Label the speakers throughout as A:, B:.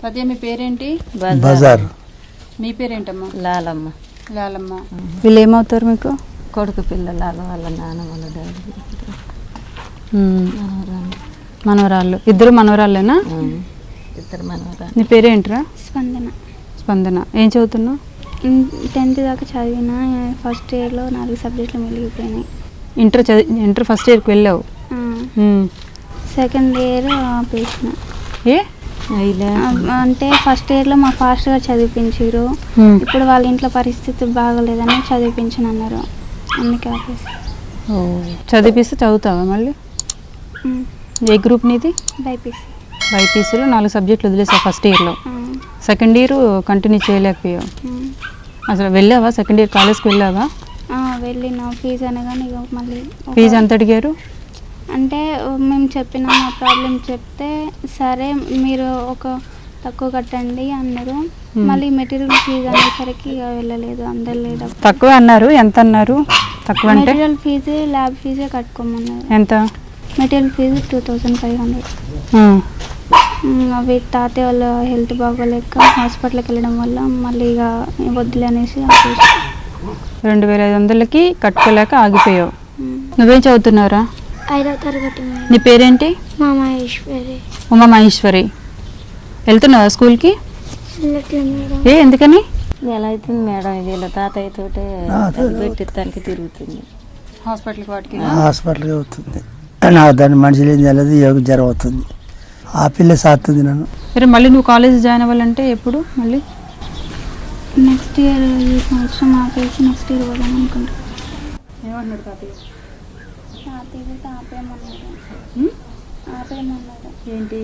A: అదే మీ పేరేంటి?
B: బజార్.
A: మీ పేరేంటమ్మా?
C: లాలమ్మ.
A: లాలమ్మ. వీళ్ళు ఏమవుతారు మీకు?
C: కొడుకు పిల్లలు వాళ్ళ నాన్న వాళ్ళ డాడీ.
A: మనవరాళ్ళు. ఇద్దరు మనవరాళ్ళేనా?
C: ఇద్దరు మనవరాళ్ళు.
A: నీ పేరేంట్రా?
D: స్పందన.
A: స్పందన. ఏం చదువుతున్నావు?
D: 10th దాకా చదివిన. ఫస్ట్ ఇయర్లో 4 సబ్జెక్టులు మిగిలిపోయినాయి.
A: ఇంటర్ ఫస్ట్ ఇయర్కి వెళ్ళావు?
D: సెకండ్ ఇయర్ ఆపేసిన.
A: ఏ
D: అంటే ఫస్ట్ ఇయర్లో మా ఫాస్ట్గా చదివించారు. ఇప్పుడు వాళ్ళ ఇంట్లో పరిస్థితి బాగోలేదని చదివించను అన్నారు, అందుకే ఆపేసి.
A: చదివిస్తే చదువుతావా మళ్ళీ? ఏ గ్రూప్ నీది?
D: బైపీసీ.
A: బైపీసీలో 4 సబ్జెక్టులు వదిలేసావు ఫస్ట్ ఇయర్లో. సెకండ్ ఇయర్ కంటిన్యూ చేయలేకపోయావు. అసలు వెళ్ళావా? సెకండ్ ఇయర్ కాలేజ్కి వెళ్ళావా?
D: వెళ్ళిన. ఫీజు అనగానే మళ్ళీ.
A: ఫీజు ఎంత అడిగారు?
D: అంటే మేము చెప్పిన మా ప్రాబ్లం చెప్తే సరే మీరు ఒక తక్కువ కట్టండి అన్నారు. మళ్ళీ మెటీరియల్ ఫీజు అనేసరికి వెళ్ళలేదు, అందలేదు.
A: తక్కువ అన్నారు. ఎంత అన్నారు? తక్కువ అంటే
D: మెటీరియల్ ఫీజు ల్యాబ్ ఫీజే కట్టుకోమన్నారు.
A: ఎంత?
D: Material fee 2500. అవి తాతయ్య వాళ్ళ హెల్త్ బాగోలేక హాస్పిటల్కి వెళ్ళడం వల్ల మళ్ళీ ఇక వద్దులే అనేసి
A: 2500కి కట్టుకోలేక ఆగిపోయావు. నువ్వేం చదువుతున్నారా?
D: 5వ తరగతి.
A: నీ పేరేంటి?
D: మహేశ్వరి.
A: ఉమా మహేశ్వరి. వెళ్తున్నావా స్కూల్కి? ఏ ఎందుకని?
C: ఎలా అవుతుంది మేడం, ఇది ఇలా తాతయ్య తోటే పెట్టిస్తానికి తిరుగుతుంది.
A: హాస్పిటల్కి వాటికి
B: హాస్పిటల్కి అవుతుంది. నాకు దాన్ని మనిషి ఏం తెలియదు, యోగ జ్వరం అవుతుంది. ఆ పిల్ల సాస్తుంది నన్ను.
A: సరే మళ్ళీ నువ్వు కాలేజ్ జాయిన్ అవ్వాలంటే ఎప్పుడు? మళ్ళీ
D: నెక్స్ట్ ఇయర్. ఈ సంవత్సరం ఆపేసి నెక్స్ట్ ఇయర్ పోదాం అనుకుంటా.
A: ఏమన్నాడు తాతయ్య?
D: ఆపేయమన్నాడు.
A: ఏంటి?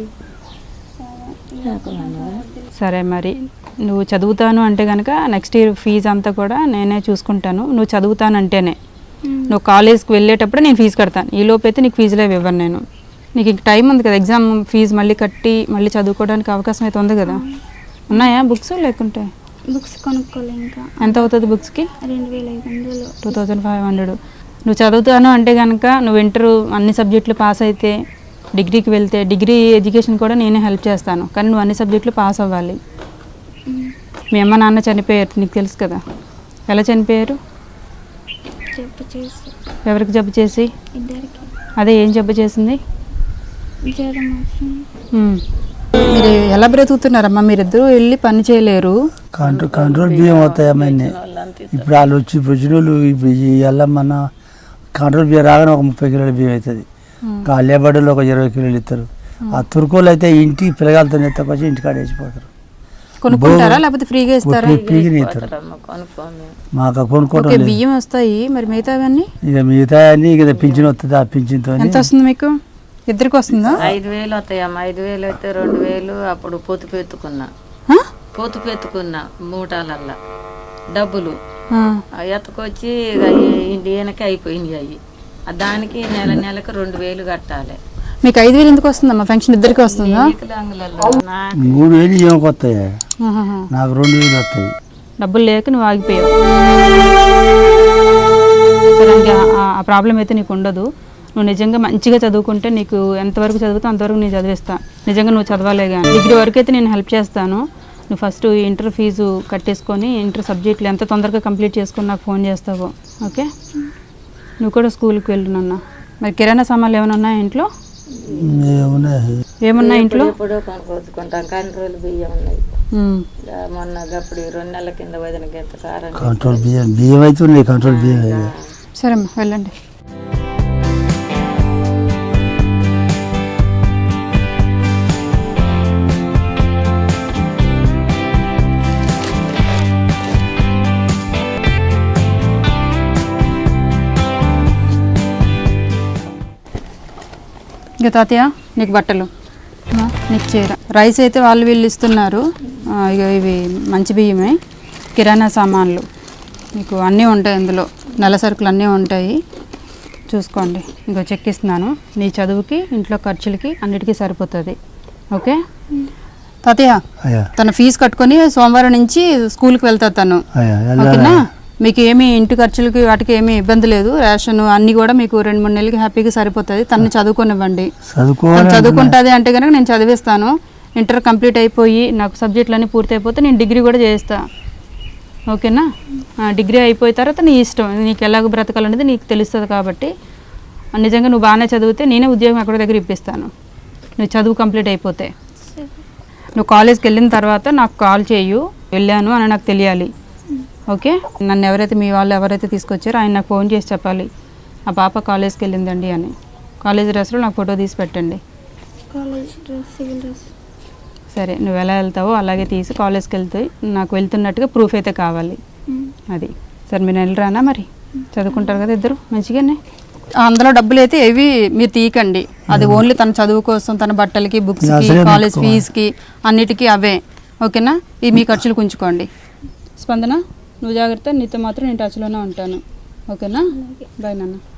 A: సరే మరి నువ్వు చదువుతాను అంటే కనుక నెక్స్ట్ ఇయర్ ఫీజు అంతా కూడా నేనే చూసుకుంటాను. నువ్వు చదువుతాను అంటేనే. నువ్వు కాలేజ్కి వెళ్ళేటప్పుడు నేను ఫీజు కడతాను. ఈ లోపు అయితే నీకు ఫీజులో ఇవ్వను నేను. నీకు ఇంక టైం ఉంది కదా, ఎగ్జామ్ ఫీజు మళ్ళీ కట్టి మళ్ళీ చదువుకోవడానికి అవకాశం అయితే ఉంది కదా. ఉన్నాయా బుక్స్? లేకుంటే
D: బుక్స్ కొనుక్కోలే. ఇంకా
A: ఎంత అవుతుంది బుక్స్కి?
D: 2500.
A: 2500. నువ్వు చదువుతాను అంటే కనుక నువ్వు ఇంటర్ అన్ని సబ్జెక్టులు పాస్ అయితే డిగ్రీకి వెళ్తే డిగ్రీ ఎడ్యుకేషన్ కూడా నేనే హెల్ప్ చేస్తాను. కానీ నువ్వు అన్ని సబ్జెక్టులు పాస్ అవ్వాలి. మీ అమ్మ నాన్న చనిపోయారు, నీకు తెలుసు కదా. ఎలా చనిపోయారు?
D: జబ్బు చేసి.
A: ఎవరికి జబ్బు చేసి?
D: ఇద్దరికి.
A: అదే ఏం జబ్బు చేసింది?
D: జ్వరం వచ్చింది.
A: మీరు ఎలా బ్రతుకుతున్నారమ్మా? మీరిద్దరూ వెళ్ళి పని చేయలేరు.
B: కంట్రోల్ బియ్యం అవుతాయమ్మా. ఇప్పుడు వాళ్ళు వచ్చి వచ్చినోళ్ళు ఇప్పుడు వెళ్ళమన్నా కంట్రోల్ బియ్యం రాగానే ఒక 30 కిలోల బియ్యం అవుతుంది. ఆ లేబర్లు ఒక 20 కిలోలు ఇస్తారు. ఆ తుర్కోలు అయితే ఇంటి పిల్లగాలతో ఎత్తకొచ్చి ఇంటికాడ వేసిపోతారు.
A: కొనుక్కుంటారా లేకపోతే ఫ్రీగా ఇస్తారా?
B: ఫ్రీగా ఇస్తారు. మాకు కొనుక్కోవడం
A: బియ్యం వస్తాయి. మరి మిగతావన్నీ
B: ఇక మిగతా అన్ని ఇక పింఛన్ వస్తుంది. ఆ పింఛన్తో
A: ఎంత వస్తుంది మీకు? ఇద్దరికి వస్తుందా?
C: 5000 వస్తాయమ్మ. 5000 అయితే 2000 అప్పుడు పొదుపు ఎత్తుకున్నా మూటాలల్లా డబ్బులు ఎత్తుకొచ్చి ఇండియానికి అయిపోయింది. అవి దానికి నెలకు 2000 కట్టాలి.
A: మీకు 5000 ఎందుకు వస్తుందమ్మా? ఫంక్షన్ ఇద్దరికి వస్తుందా?
B: 3000 ఏమకి వస్తాయి, నాకు 2000 వస్తాయి.
A: డబ్బులు లేక నువ్వు ఆగిపోయావు. సరే ఆ ప్రాబ్లం అయితే నీకు ఉండదు. నువ్వు నిజంగా మంచిగా చదువుకుంటే నీకు ఎంతవరకు చదువుతావు అంతవరకు నేను చదివిస్తా. నిజంగా నువ్వు చదవాలే కానీ డిగ్రీ వరకు అయితే నేను హెల్ప్ చేస్తాను. నువ్వు ఫస్ట్ ఇంటర్ ఫీజు కట్టేసుకొని ఇంటర్ సబ్జెక్టులు ఎంత తొందరగా కంప్లీట్ చేసుకొని నాకు ఫోన్ చేస్తావు. ఓకే? నువ్వు కూడా స్కూల్కి వెళ్ళు నాన్న. మరి కిరాణా సామాన్లు ఏమైనా ఉన్నాయా ఇంట్లో? ఏమున్నా ఇంట్లో?
C: కొనుక్కొచ్చుకుంటాం. కంట్రోల్ బియ్యం ఉన్నాయి. మొన్న అప్పుడు 2 నెలల కింద వదిన గంట కారం
B: కంట్రోల్ బియ్యం అయితే ఉన్నాయి. కంట్రోల్ బియ్యం.
A: సరే అమ్మా వెళ్ళండి. ఇక తాతయ్య నీకు బట్టలు, నీకు చీర, రైస్ అయితే వాళ్ళు వీళ్ళు ఇస్తున్నారు. ఇక ఇవి మంచి బియ్యమే. కిరాణా సామాన్లు మీకు అన్నీ ఉంటాయి ఇందులో. నెల సరుకులు అన్నీ ఉంటాయి, చూసుకోండి. ఇంకో చెక్ ఇస్తున్నాను. నీ చదువుకి ఇంట్లో ఖర్చులకి అన్నిటికీ సరిపోతుంది. ఓకే తాతయ్య? తన ఫీజు కట్టుకొని సోమవారం నుంచి స్కూల్కి వెళ్తా తను. ఓకేనా? మీకు ఏమి ఇంటి ఖర్చులకి వాటికి ఏమీ ఇబ్బంది లేదు. రేషన్ అన్నీ కూడా మీకు 2-3 నెలలకి హ్యాపీగా సరిపోతుంది. తను చదువుకోనివ్వండి. చదువుకుంటుంది అంటే కనుక నేను చదివిస్తాను. ఇంటర్ కంప్లీట్ అయిపోయి నాకు సబ్జెక్టులన్నీ పూర్తి అయిపోతే నేను డిగ్రీ కూడా చేస్తా, ఓకేనా? డిగ్రీ అయిపోయిన తర్వాత నీ ఇష్టం, నీకు ఎలాగ బ్రతకాలనేది నీకు తెలుస్తుంది. కాబట్టి నిజంగా నువ్వు బాగానే చదివితే నేనే ఉద్యోగం ఎక్కడ దగ్గర ఇప్పిస్తాను, నువ్వు చదువు కంప్లీట్ అయిపోతే. నువ్వు కాలేజ్కి వెళ్ళిన తర్వాత నాకు కాల్ చేయు, వెళ్ళాను అని నాకు తెలియాలి, ఓకే? నన్ను ఎవరైతే మీ వాళ్ళు ఎవరైతే తీసుకొచ్చారో ఆయన నాకు ఫోన్ చేసి చెప్పాలి, ఆ పాప కాలేజ్కి వెళ్ళిందండి అని. కాలేజ్ డ్రెస్లో నాకు ఫోటో తీసి పెట్టండి.
D: College dress, civil dress.
A: సరే, నువ్వు ఎలా వెళ్తావో అలాగే తీసి కాలేజ్కి వెళ్తే నాకు వెళ్తున్నట్టుగా ప్రూఫ్ అయితే కావాలి. అది సరే, మీరు వెళ్ళరానా? మరి చదువుకుంటారు కదా ఇద్దరు మంచిగానే. అందులో డబ్బులు అయితే ఏవి మీరు తీయకండి, అది ఓన్లీ తన చదువు కోసం, తన బట్టలకి, బుక్స్కి, కాలేజ్ ఫీజుకి అన్నిటికీ అవే, ఓకేనా? ఇవి మీ ఖర్చులు ఉంచుకోండి. స్పందన, నువ్వు జాగ్రత్త, నీతో మాత్రం నేను టచ్లోనే ఉంటాను, ఓకేనా? బాయ్ నాన్న.